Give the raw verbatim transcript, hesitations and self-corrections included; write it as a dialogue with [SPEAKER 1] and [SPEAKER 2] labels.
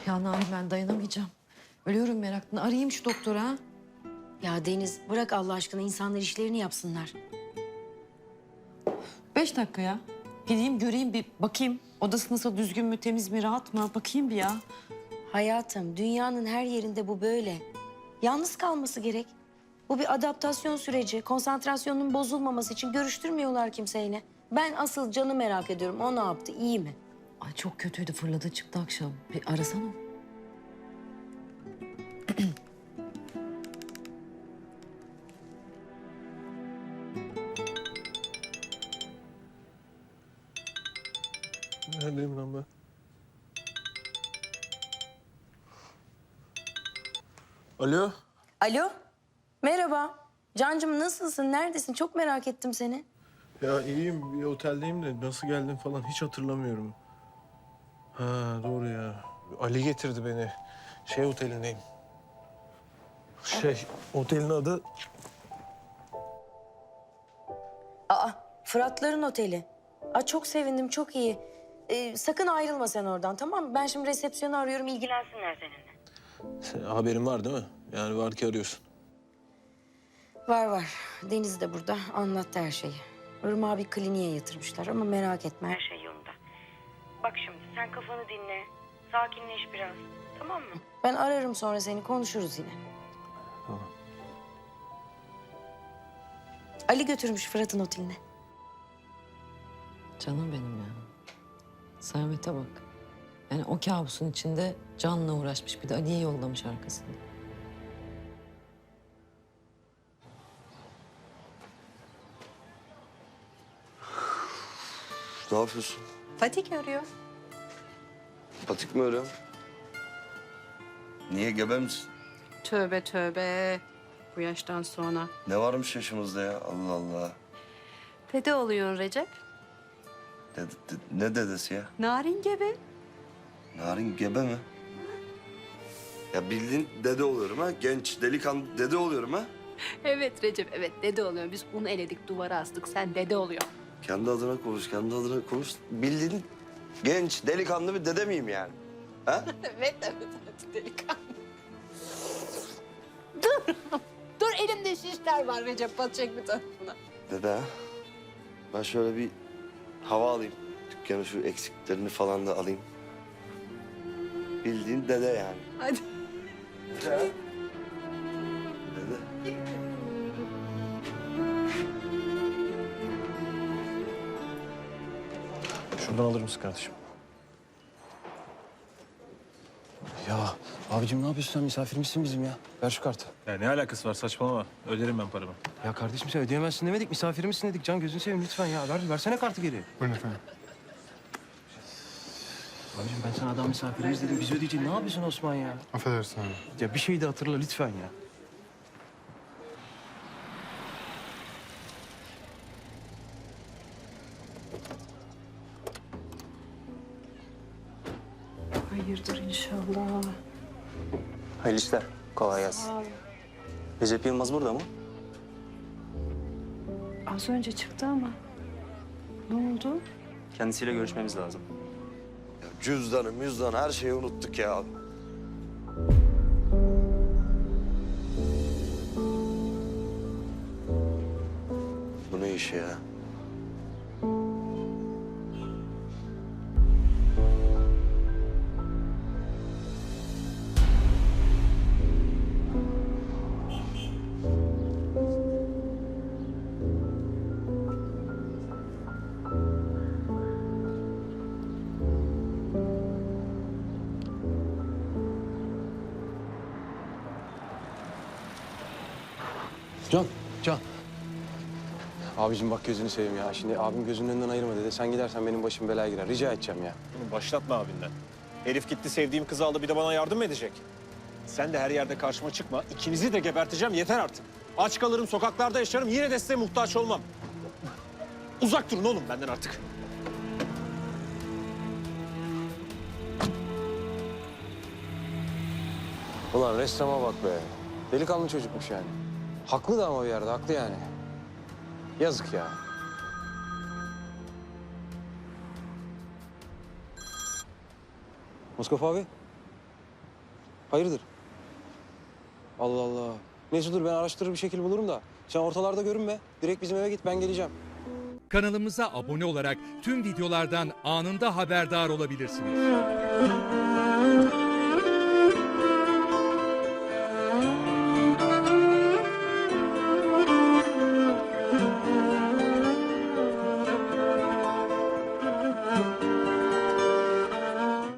[SPEAKER 1] Ya Narin ben dayanamayacağım. Ölüyorum meraktan. Arayayım şu doktora. Ha?
[SPEAKER 2] Ya Deniz bırak Allah aşkına insanlar işlerini yapsınlar.
[SPEAKER 1] Beş dakika ya. Gideyim göreyim bir bakayım. Odası nasıl, düzgün mü, temiz mi, rahat mı? Bakayım bir ya.
[SPEAKER 2] Hayatım dünyanın her yerinde bu böyle. Yalnız kalması gerek. Bu bir adaptasyon süreci. Konsantrasyonunun bozulmaması için görüştürmüyorlar kimseyle. Ben asıl canı merak ediyorum. O ne yaptı? İyi mi?
[SPEAKER 1] Ay çok kötüydü, fırladı çıktı akşam. Bir arasana.
[SPEAKER 3] Neredeyim lan ben? Alo?
[SPEAKER 2] Alo. Merhaba. Cancığım nasılsın? Neredesin? Çok merak ettim seni.
[SPEAKER 3] Ya iyiyim, bir oteldeyim de nasıl geldim falan hiç hatırlamıyorum. Ha doğru ya. Ali getirdi beni. Şey otelindeyim. Şey, otelin adı...
[SPEAKER 2] Aa, Fıratların Oteli. Aa, çok sevindim, çok iyi. Ee, sakın ayrılma sen oradan, tamam mı? Ben şimdi resepsiyonu arıyorum, ilgilensinler seninle.
[SPEAKER 3] Sen, haberin var değil mi? Yani var ki arıyorsun.
[SPEAKER 2] Var var. Deniz de burada, anlattı her şeyi. Irmak'ı bir kliniğe yatırmışlar ama merak etme, her şey yolunda. Bak şimdi, sen kafanı dinle, sakinleş biraz, tamam mı? Ben ararım sonra seni, konuşuruz yine.
[SPEAKER 3] Tamam.
[SPEAKER 2] Ali götürmüş Fırat'ın oteline.
[SPEAKER 1] Canım benim ya. Servete bak. Yani o kabusun içinde canla uğraşmış. Bir de Ali'ye yollamış arkasında.
[SPEAKER 4] Ne yapıyorsun?
[SPEAKER 5] Fatih arıyor.
[SPEAKER 4] Patik mi öyle? Niye, gebe misin?
[SPEAKER 5] Tövbe tövbe. Bu yaştan sonra.
[SPEAKER 4] Ne varmış yaşımızda ya? Allah Allah.
[SPEAKER 5] Dede oluyor Recep.
[SPEAKER 4] Dede- de- ne dedesi ya?
[SPEAKER 5] Narin gebe.
[SPEAKER 4] Narin gebe mi? Ya bildiğin dede oluyorum ha. Genç, delikanlı dede oluyorum ha.
[SPEAKER 5] Evet Recep, evet dede oluyor. Biz un eledik, duvara astık. Sen dede oluyor.
[SPEAKER 4] Kendi adına konuş, kendi adına konuş. Bildiğin genç, delikanlı bir dede miyim yani? Ha?
[SPEAKER 5] Evet, evet, evet delikanlı. Dur. Dur elimde şişler var Recep. Batacak bir tarafına.
[SPEAKER 4] Dede ha? Ben şöyle bir hava alayım. Dükkanın şu eksiklerini falan da alayım. Bildiğin dede yani.
[SPEAKER 5] Hadi.
[SPEAKER 4] Dede ha? Dede.
[SPEAKER 3] Şuradan alır mısın kardeşim?
[SPEAKER 6] Ya abicim ne yapıyorsun sen? Misafirmişsin bizim ya. Ver şu kartı.
[SPEAKER 7] Ya ne alakası var saçmalama. Öderim ben paramı.
[SPEAKER 6] Ya kardeşim sen ödeyemezsin demedik. Misafirimizsin dedik. Can gözünü seveyim lütfen ya. Ver, versene kartı geri.
[SPEAKER 3] Buyurun efendim.
[SPEAKER 6] Abicim ben sana adam misafirimiz dedim. Biz ödeyeceğiz. Ne yapıyorsun Osman ya?
[SPEAKER 3] Affedersin abi.
[SPEAKER 6] Ya bir şey de hatırla lütfen ya.
[SPEAKER 5] Hayırdır inşallah.
[SPEAKER 8] Hayırlı işler. Kolay gelsin. Recep Yılmaz burada mı?
[SPEAKER 5] Az önce çıktı ama. Ne oldu?
[SPEAKER 8] Kendisiyle görüşmemiz lazım.
[SPEAKER 4] Ya cüzdanı, müzdanı her şeyi unuttuk ya. Bu ne iş ya?
[SPEAKER 6] Can, Can. Abicim bak gözünü seveyim ya. Şimdi abim gözünün önünden ayırma dedi. Sen gidersen benim başım belaya girer. Rica edeceğim ya.
[SPEAKER 7] Bunu başlatma abinden. Herif gitti sevdiğim kızı aldı bir de bana yardım mı edecek? Sen de her yerde karşıma çıkma. İkinizi de geberteceğim yeter artık. Aç kalırım, sokaklarda yaşarım. Yine de size muhtaç olmam. Uzak durun oğlum benden artık.
[SPEAKER 6] Ulan ressama bak be. Delikanlı çocukmuş yani. Haklı da ama bir yerde, haklı yani. Yazık ya. Mustafa abi. Hayırdır? Allah Allah. Neyse dur ben araştırır bir şekil bulurum da. Sen ortalarda görünme. Direkt bizim eve git ben geleceğim.
[SPEAKER 9] Kanalımıza abone olarak tüm videolardan anında haberdar olabilirsiniz.